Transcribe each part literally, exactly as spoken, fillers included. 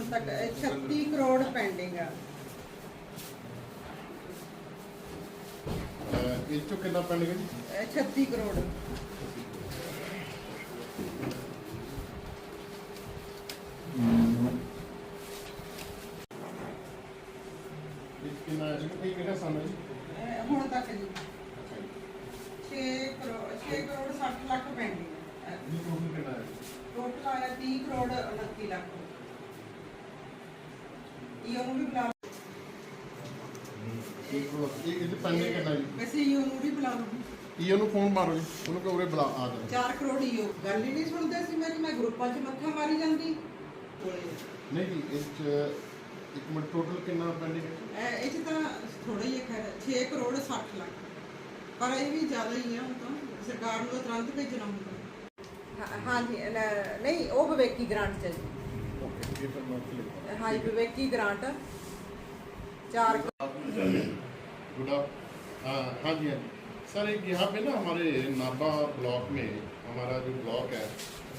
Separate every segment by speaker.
Speaker 1: तक छत्ती करोड़ पेंडिंग है।
Speaker 2: ਇਹ ਚੋਂ ਕਿੰਨਾ ਪੈਂਡਿੰਗ ਹੈ ਜੀ?
Speaker 1: छत्ती करोड़
Speaker 2: ਇਹ ਕਿੰਨਾ ਹੈ ਜੀ? ਇਹ ਕਿਹੜਾ ਸਮ ਹੈ ਜੀ?
Speaker 1: ਹੁਣ ਤੱਕ ਜੀ छे करोड़ छे करोड़ साठ लाख पेंडिंग है।
Speaker 2: ਇਹ ਟੋਟਲ ਕਿੰਨਾ ਹੈ?
Speaker 1: टोटल आया तीस करोड़ उनतीस लाख। ये भी बुला
Speaker 2: ਇਹ ਕੋਲ ਇਹ ਇਹ ਪੈਂਡਿੰਗ ਕਿੰਨਾ ਜੀ?
Speaker 1: वैसे ये भी बुला लो।
Speaker 2: ਇਹ ਉਹਨੂੰ ਫੋਨ ਮਾਰੋ ਜੀ, ਉਹਨੂੰ ਕਹੋ ਉਰੇ ਬੁਲਾ ਆ ਜਾ।
Speaker 1: चार करोड़ ही हो गल ही नहीं सुनते सी मेरी, मैं ग्रुपां च मत्था मारी जांदी।
Speaker 2: ਨਹੀਂ ਜੀ ਇਸ ਚ ਇੱਕ ਮਿੰਟ ਟੋਟਲ ਕਿੰਨਾ ਪੈਂਡਿੰਗ ਹੈ?
Speaker 1: ਇਹ ਚ ਤਾਂ ਥੋੜਾ ਹੀ ਹੈ ਖੈਰ छे करोड़ साठ लाख, ਪਰ ਇਹ ਵੀ ਜ਼ਿਆਦਾ ਹੀ ਆ। ਹੁਣ ਤਾਂ ਸਰਕਾਰ ਨੂੰ ਤਾਂ ਤੁਰੰਤ ਭੇਜਣਾ ਹੁੰਦਾ। ਹਾਂ ਜੀ ਨਹੀਂ ਉਹ ਵਿਵੇਕੀ ਗ੍ਰਾਂਟ ਚ ਜੀ।
Speaker 2: ਓਕੇ ਇਹ ਤਾਂ ਮੈਂ ਲਿਖ
Speaker 1: हाँ जी विवेकी ग्रांट चार
Speaker 2: गुड हाँ हाँ जी हाँ जी सर। एक यहाँ पे ना हमारे नाबा ब्लॉक में हमारा जो ब्लॉक है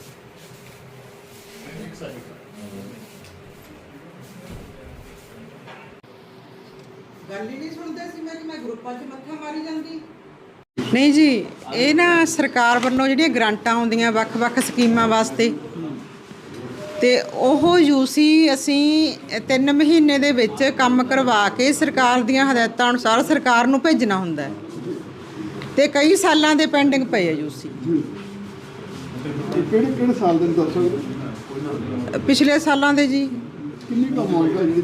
Speaker 2: एक सेकंड
Speaker 1: गल ही नहीं सुनते सी मेरी, मैं ग्रुपां च मत्था मारी जांदी। नहीं जी ਇਹ ਨਾ ਸਰਕਾਰ ਵੱਲੋਂ ਜਿਹੜੀਆਂ ਗ੍ਰਾਂਟਾਂ ਆਉਂਦੀਆਂ ਵੱਖ-ਵੱਖ ਸਕੀਮਾਂ ਵਾਸਤੇ, ਤੇ ਉਹ ਯੂਸੀ ਅਸੀਂ ਤਿੰਨ ਮਹੀਨੇ ਦੇ ਵਿੱਚ ਕੰਮ ਕਰਵਾ ਕੇ ਸਰਕਾਰ ਦੀਆਂ ਹਦਾਇਤਾਂ ਅਨੁਸਾਰ ਸਰਕਾਰ ਨੂੰ ਭੇਜਣਾ ਹੁੰਦਾ ਹੈ, ਤੇ ਕਈ ਸਾਲਾਂ ਦੇ ਪੈਂਡਿੰਗ ਪਏ ਆ ਯੂਸੀ।
Speaker 3: ਕਿਹੜੇ ਕਿਹੜੇ ਸਾਲ ਦੇ ਦੱਸ ਸਕਦੇ?
Speaker 1: ਪਿਛਲੇ ਸਾਲਾਂ ਦੇ ਜੀ।
Speaker 3: ਕਿੰਨੀ ਕੁ ਅਮਾਉਂਟ ਹੈ ਜਿਹੜੀ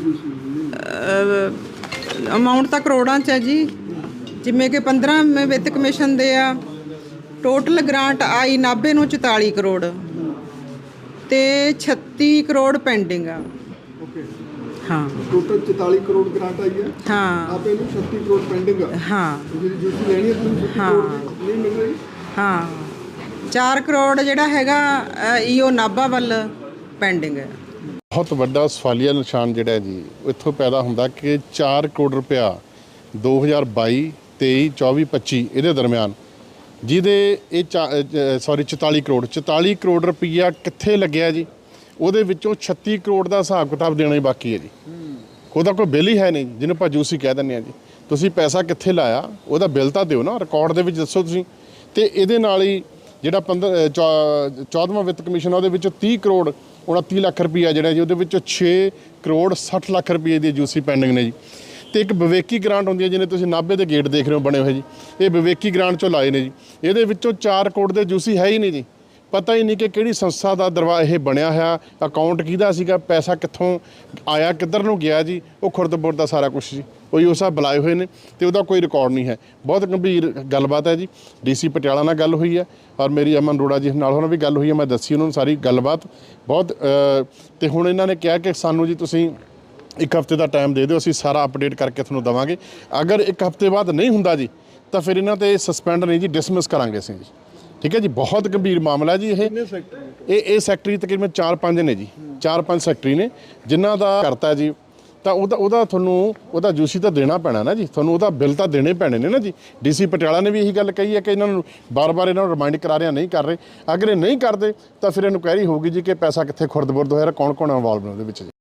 Speaker 3: ਤੁਸੀਂ?
Speaker 1: ਅਮਾਉਂਟ ਤਾਂ ਕਰੋੜਾਂ 'ਚ ਹੈ ਜੀ, ਜਿਵੇਂ ਕਿ ਪੰਦਰਾਂ ਵਿੱਤ ਕਮਿਸ਼ਨ ਦੇ ਆ। ਟੋਟਲ ਗ੍ਰਾਂਟ ਆਈ ਨਾਭੇ ਨੂੰ ਚੁਤਾਲੀ ਕਰੋੜ ਤੇ ਛੱਤੀ ਕਰੋੜ ਪੈਂਡਿੰਗ ਆ।
Speaker 3: ਓਕੇ
Speaker 1: ਹਾਂ
Speaker 3: ਟੋਟਲ ਚੁਤਾਲੀ ਕਰੋੜ ਗ੍ਰਾਂਟ ਆਈ ਹੈ।
Speaker 1: ਹਾਂ
Speaker 3: ਆਪੇ ਨੂੰ ਛੱਤੀ ਕਰੋੜ ਪੈਂਡਿੰਗ ਆ।
Speaker 1: ਹਾਂ
Speaker 3: ਜਿਹੜੀ ਜੂਸੀ ਲੈਣੀ ਹੈ ਤੁਸੀਂ ਛੱਤੀ
Speaker 1: ਹਾਂ।
Speaker 3: ਕਰੋੜ ਨਹੀਂ ਮਿਲ ਰਹੀ।
Speaker 1: ਹਾਂ ਚਾਰ ਕਰੋੜ ਜਿਹੜਾ ਹੈਗਾ ਈਓ ਨਾਭਾ ਵੱਲ ਪੈਂਡਿੰਗ ਹੈ।
Speaker 2: ਬਹੁਤ ਵੱਡਾ ਸਵਾਲੀਆ ਨਿਸ਼ਾਨ ਜਿਹੜਾ ਜੀ ਇੱਥੋਂ ਪੈਦਾ ਹੁੰਦਾ ਕਿ ਚਾਰ ਕਰੋੜ ਰੁਪਇਆ ਦੋ ਹਜ਼ਾਰ ਬਾਈ ਤੇਈ ਚੌਵੀ ਪੱਚੀ ਇਹਦੇ ਦਰਮਿਆਨ ਜਿਹਦੇ ਇਹ ਸੌਰੀ ਚੁਤਾਲੀ ਕਰੋੜ ਚੁਤਾਲੀ ਕਰੋੜ ਰੁਪਈਆ ਕਿੱਥੇ ਲੱਗਿਆ ਜੀ? ਉਹਦੇ ਵਿੱਚੋਂ ਛੱਤੀ ਕਰੋੜ ਦਾ ਹਿਸਾਬ ਕਿਤਾਬ ਦੇਣਾ ਹੀ ਬਾਕੀ ਹੈ ਜੀ। ਉਹਦਾ ਕੋਈ ਬਿੱਲ ਹੀ ਹੈ ਨਹੀਂ, ਜਿਹਨੂੰ ਆਪਾਂ ਜੂਸੀ ਕਹਿ ਦਿੰਦੇ ਹਾਂ ਜੀ। ਤੁਸੀਂ ਪੈਸਾ ਕਿੱਥੇ ਲਾਇਆ ਉਹਦਾ ਬਿੱਲ ਤਾਂ ਦਿਓ ਨਾ, ਰਿਕਾਰਡ ਦੇ ਵਿੱਚ ਦੱਸੋ ਤੁਸੀਂ। ਤੇ ਇਹਦੇ ਨਾਲ ਹੀ ਜਿਹੜਾ ਪੰਦਰ ਚੌਦਵਾਂ ਵਿੱਤ ਕਮਿਸ਼ਨ ਉਹਦੇ ਵਿੱਚੋਂ ਤੀਹ ਕਰੋੜ ਉਨੱਤੀ ਲੱਖ ਰੁਪਈਆ ਜਿਹੜਾ ਜੀ, ਉਹਦੇ ਵਿੱਚੋਂ ਛੇ ਕਰੋੜ ਸੱਠ ਲੱਖ ਰੁਪਈਏ ਦੀ ਜੂਸੀ ਪੈਂਡਿੰਗ ਨੇ ਜੀ। ਤੇ ਇੱਕ ਵਿਵੇਕੀ ਗ੍ਰਾਂਟ ਹੁੰਦੀ ਹੈ, ਜਿਹਨੇ ਤੁਸੀਂ ਨਾਭੇ ਦੇ ਗੇਟ ਦੇਖ ਰਹੇ ਹੋ ਬਣੇ ਹੋਏ ਜੀ, ਇਹ ਵਿਵੇਕੀ ਗ੍ਰਾਂਟ ਚੋਂ ਲਾਏ ਨੇ ਜੀ। ਇਹਦੇ ਵਿੱਚੋਂ ਚਾਰ ਕਰੋੜ ਦੇ ਜੂਸੀ ਹੈ ਹੀ ਨਹੀਂ ਜੀ। ਪਤਾ ਹੀ ਨਹੀਂ ਕਿ ਕਿਹੜੀ ਸੰਸਥਾ ਦਾ ਦਰਵਾ ਇਹ ਬਣਿਆ ਹੋਇਆ, ਅਕਾਊਂਟ ਕਿਹਦਾ ਸੀਗਾ, ਪੈਸਾ ਕਿੱਥੋਂ ਆਇਆ, ਕਿੱਧਰ ਨੂੰ ਗਿਆ ਜੀ। ਉਹ ਖੁਰਦ-ਬੁਰਦ ਦਾ ਸਾਰਾ ਕੁਛ ਜੀ ਉਹੀ ਉਹ ਸਭ ਬੁਲਾਏ ਹੋਏ ਨੇ ਤੇ ਉਹਦਾ ਕੋਈ ਰਿਕਾਰਡ ਨਹੀਂ ਹੈ। ਬਹੁਤ ਗੰਭੀਰ ਗੱਲਬਾਤ ਹੈ ਜੀ। ਡੀਸੀ ਪਟਿਆਲਾ ਨਾਲ ਗੱਲ ਹੋਈ ਹੈ ਔਰ ਮੇਰੀ ਅਮਨ ਅਰੋੜਾ ਜੀ ਨਾਲ ਉਹਨਾਂ ਵੀ ਗੱਲ ਹੋਈ ਹੈ। ਮੈਂ ਦੱਸੀ ਉਹਨਾਂ ਨੂੰ ਸਾਰੀ ਗੱਲਬਾਤ ਬਹੁਤ। ਤੇ ਹੁਣ ਇਹਨਾਂ ਨੇ ਕਿਹਾ ਕਿ ਸਾਨੂੰ ਜੀ ਤੁਸੀਂ ਇੱਕ ਹਫ਼ਤੇ ਦਾ ਟਾਈਮ ਦੇ ਦਿਓ, ਅਸੀਂ ਸਾਰਾ ਅਪਡੇਟ ਕਰਕੇ ਤੁਹਾਨੂੰ ਦੇਵਾਂਗੇ। ਅਗਰ ਇੱਕ ਹਫ਼ਤੇ ਬਾਅਦ ਨਹੀਂ ਹੁੰਦਾ ਜੀ ਤਾਂ ਫਿਰ ਇਹਨਾਂ 'ਤੇ ਸਸਪੈਂਡ ਨਹੀਂ ਜੀ, ਡਿਸਮਿਸ ਕਰਾਂਗੇ ਅਸੀਂ ਜੀ। ਠੀਕ ਹੈ ਜੀ। ਬਹੁਤ ਗੰਭੀਰ ਮਾਮਲਾ ਜੀ ਇਹ। ਇਹ ਇਹ ਸੈਕਟਰੀ ਤਕਰੀਬਨ ਚਾਰ ਪੰਜ ਨੇ ਜੀ, ਚਾਰ ਪੰਜ ਸੈਕਟਰੀ ਨੇ ਜਿਨ੍ਹਾਂ ਦਾ ਕਰਤਾ ਜੀ। ਤਾਂ ਉਹਦਾ ਉਹਦਾ ਤੁਹਾਨੂੰ ਉਹਦਾ ਜੂਸੀ ਤਾਂ ਦੇਣਾ ਪੈਣਾ ਨਾ ਜੀ, ਤੁਹਾਨੂੰ ਉਹਦਾ ਬਿੱਲ ਤਾਂ ਦੇਣੇ ਪੈਣੇ ਨੇ ਨਾ ਜੀ। ਡੀਸੀ ਪਟਿਆਲਾ ਨੇ ਵੀ ਇਹੀ ਗੱਲ ਕਹੀ ਹੈ ਕਿ ਇਹਨਾਂ ਨੂੰ ਬਾਰ-ਬਾਰ ਇਹਨਾਂ ਨੂੰ ਰਿਮਾਈਂਡ ਕਰਾ ਰਿਹਾ, ਨਹੀਂ ਕਰ ਰਹੇ। ਅਗਰ ਇਹ ਨਹੀਂ ਕਰਦੇ ਤਾਂ ਫਿਰ ਇਨਕੁਆਇਰੀ ਹੋਊਗੀ ਜੀ ਕਿ ਪੈਸਾ ਕਿੱਥੇ ਖੁਰਦ-ਬੁਰਦ ਹੋਇਆ, ਕੌਣ ਕੌਣ ਇਨਵੋਲਵ ਨੇ ਉਹਦੇ ਵਿੱਚ ਜੀ।